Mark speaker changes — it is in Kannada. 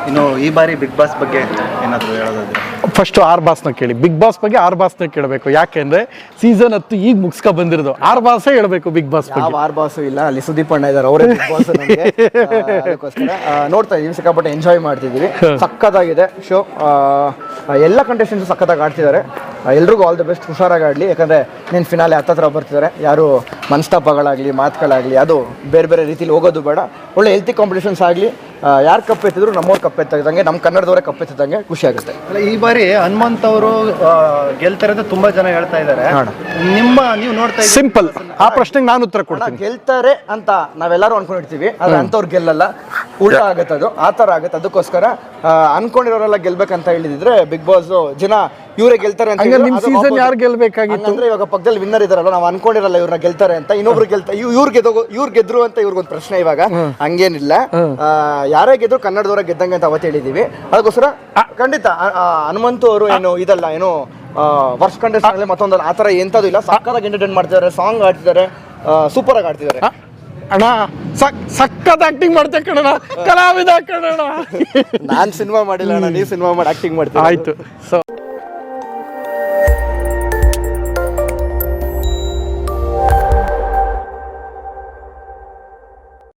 Speaker 1: ಇನ್ನು ಈ ಬಾರಿ ಬಿಗ್ ಬಾಸ್ ಬಗ್ಗೆ ಏನಾದರೂ ಹೇಳೋದಾದ್ರೆ?
Speaker 2: ಫಸ್ಟ್ ಆರ್ ಬಾಸ್ನ ಕೇಳಿ. ಬಿಗ್ ಬಾಸ್ ಬಗ್ಗೆ ಆರ್ ಬಾಸ್ನ ಕೇಳಬೇಕು. ಯಾಕೆಂದ್ರೆ ಸೀಸನ್ 10 ಈಗ ಮುಗಿಸ್ಕೊ ಬಂದಿರೋದು. ಆರ್ ಬಾಸೇ ಹೇಳ್ಬೇಕು ಬಿಗ್ ಬಾಸ್ ಬಗ್ಗೆ.
Speaker 3: ಯಾವ ಆರ್ ಬಾಸು ಇಲ್ಲ, ಅಲ್ಲಿ ಸುದೀಪ್ ಅಣ್ಣ ಇದ್ದಾರೆ, ಅವರೇ ಬಿಗ್ ಬಾಸ್ ನಮಗೆ. ಅದಕ್ಕೋಸ್ಕರ ನೋಡ್ತಾ ಇದೀವಿ, ಸಿಕ್ಕಾಪಟ್ಟೆ ಎಂಜಾಯ್ ಮಾಡ್ತಿದ್ದೀವಿ. ಸಖತ್ತಾಗಿದೆ ಶೋ. ಎಲ್ಲ ಕಂಟೆಸ್ಟೆಂಟ್ಸ್ ಸಖತ್ತಾಗಿ ಆಡ್ತಿದ್ದಾರೆ. ಎಲ್ರಿಗೂ ಆಲ್ ದಿ ಬೆಸ್ಟ್, ಹುಷಾರಾಗಿ ಆಡಲಿ. ಯಾಕಂದರೆ ನೀನು ಫಿನಾಲೆ ಹತ್ತತ್ರ ಬರ್ತಿದ್ದಾರೆ. ಯಾರು ಮನಸ್ತಾಪಗಳಾಗಲಿ ಮಾತುಗಳಾಗಲಿ ಅದು ಬೇರೆ ಬೇರೆ ರೀತಿಲಿ ಹೋಗೋದು ಬೇಡ. ಒಳ್ಳೆ ಹೆಲ್ತಿ ಕಾಂಪಿಟೇಷನ್ಸ್ ಆಗಲಿ. ಯಾರು ಕಪ್ಪೆತ್ತಿದ್ರು ನಮ್ಮವ್ರು ಕಪ್ಪೆತ್ತಿದಂಗೆ, ನಮ್ಮ ಕನ್ನಡದವರೇ ಕಪ್ಪೆತ್ತಿದಂಗೆ ಖುಷಿ ಆಗುತ್ತೆ.
Speaker 1: ಅಲ್ಲ, ಈ ಬಾರಿ ಹನುಮಂತ್ ಅವರು ಗೆಲ್ತಾರೆ ಅಂತ ತುಂಬಾ ಜನ ಹೇಳ್ತಾ ಇದ್ದಾರೆ. ನೀವು ನೋಡ್ತಾ ಇದ್ದೀರಿ?
Speaker 2: ಸಿಂಪಲ್, ಆ ಪ್ರಶ್ನೆಗೆ ನಾನು ಉತ್ತರ ಕೊಡ್ತೀನಿ.
Speaker 3: ಗೆಲ್ತಾರೆ ಅಂತ ನಾವೆಲ್ಲರೂ ಅನ್ಕೊಂಡಿರ್ತೀವಿ, ಆದ್ರೆ ಅಂಥವ್ರು ಗೆಲ್ಲಲ್ಲ, ಉಲ್ಟಾ ಆಗುತ್ತೆ. ಅದು ಆ ಥರ ಆಗುತ್ತೆ. ಅದಕ್ಕೋಸ್ಕರ ಅನ್ಕೊಂಡಿರೋರೆಲ್ಲ ಗೆಲ್ಬೇಕಂತ ಹೇಳಿದ್ರೆ ಬಿಗ್ ಬಾಸ್ ಜನ ಇವರೇ ಗೆಲ್ತಾರೆ ಅಂತ.
Speaker 2: ನಿಮ್ ಸೀಸನ್ ಯಾರು ಗೆಲ್ಬೇಕಾಗಿತ್ತು
Speaker 3: ಅಂದ್ರೆ ಇವಾಗ ಪಕ್ಕದಲ್ಲಿ ವಿನ್ನರ್ ಇದಾರಲ್ಲ, ನಾವು ಅನ್ಕೊಂಡಿರಲ್ಲ ಇವ್ರನ್ನ ಗೆಲ್ತಾರೆ ಅಂತ, ಇನ್ನೊಬ್ರು ಗೆಲ್ತಾರೆ, ಇವ್ರು ಗೆದ್ರು ಅಂತ ಇವ್ರಿಗೊಂದು ಪ್ರಶ್ನೆ. ಇವಾಗ ಹಂಗೇನಿಲ್ಲ, ಯಾರೇ ಗೆದ್ರು ಕನ್ನಡದವರ ಗೆದ್ದಂಗೆ ಅಂತ ಅವತ್ತು ಹೇಳಿದೀವಿ. ಅದಕ್ಕೋಸ್ಕರ ಖಂಡಿತ ಹನುಮಂತು ಅವರು ಏನು ಇದಲ್ಲ, ಏನು ವರ್ಷ ಕಂಟೆಸ್ಟ್ ಆಗಲಿ ಮತ್ತೊಂದಲ್ಲ, ಆ ಥರ ಎಂಥದ್ದು ಇಲ್ಲ. ಸಕ್ಕತ್ತಾಗಿ ಎಂಟರ್ಟೈನ್ ಮಾಡ್ತಿದ್ದಾರೆ, ಸಾಂಗ್ ಆಡ್ತಿದ್ದಾರೆ, ಸೂಪರ್ ಆಗಿ ಆಡ್ತಿದ್ದಾರೆ.
Speaker 2: ಅಣ್ಣ ಸಖತ್ ಆಕ್ಟಿಂಗ್ ಮಾಡ್ತೆ ಕಣಣ್ಣ, ಕಲಾವಿದ ಕಣಣ್ಣ.
Speaker 3: ನಾನ್ ಸಿನಿಮಾ ಮಾಡಿಲ್ಲ ಅಣ್ಣ, ನೀವು ಸಿನಿಮಾ ಮಾಡಿ ಆಕ್ಟಿಂಗ್ ಮಾಡ್ತೀವಿ.
Speaker 2: ಆಯ್ತು. ಸೊ